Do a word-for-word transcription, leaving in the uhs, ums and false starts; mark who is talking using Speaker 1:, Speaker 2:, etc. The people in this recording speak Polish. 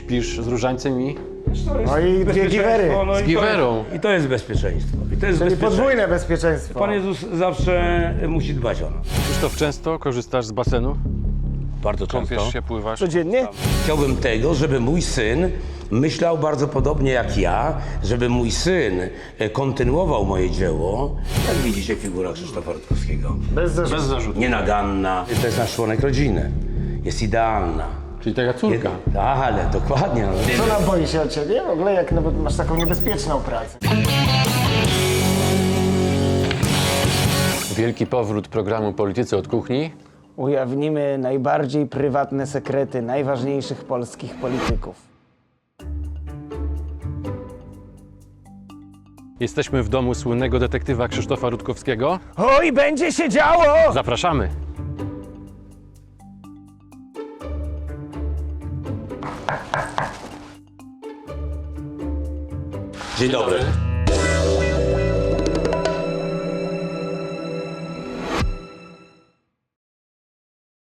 Speaker 1: śpisz z różańcem i
Speaker 2: No i dwie giwery.
Speaker 3: No
Speaker 1: z
Speaker 3: i to
Speaker 1: giwerą.
Speaker 3: jest- I to jest bezpieczeństwo. I to jest
Speaker 2: Czyli
Speaker 3: bezpieczeństwo.
Speaker 2: podwójne bezpieczeństwo.
Speaker 3: Pan Jezus zawsze musi dbać o nas.
Speaker 1: Krzysztof, często korzystasz z basenu?
Speaker 3: Bardzo często.
Speaker 1: Kąpiesz się, pływasz?
Speaker 2: Codziennie?
Speaker 3: Chciałbym tego, żeby mój syn myślał bardzo podobnie jak ja, żeby mój syn e, kontynuował moje dzieło. Jak widzicie, figura Krzysztofa Rutkowskiego.
Speaker 2: Bez zarzutu.
Speaker 1: Bez zarzutu.
Speaker 3: Nienaganna. To jest nasz członek rodziny. Jest idealna.
Speaker 1: Czyli taka córka.
Speaker 3: Jed- Ale dokładnie. no.
Speaker 2: Co nam boi się o ciebie? W ogóle jak nawet masz taką niebezpieczną pracę.
Speaker 1: Wielki powrót programu Politycy od kuchni.
Speaker 2: Ujawnimy najbardziej prywatne sekrety najważniejszych polskich polityków.
Speaker 1: Jesteśmy w domu słynnego detektywa Krzysztofa Rutkowskiego.
Speaker 2: Oj, będzie się działo!
Speaker 1: Zapraszamy!
Speaker 3: Dzień dobry.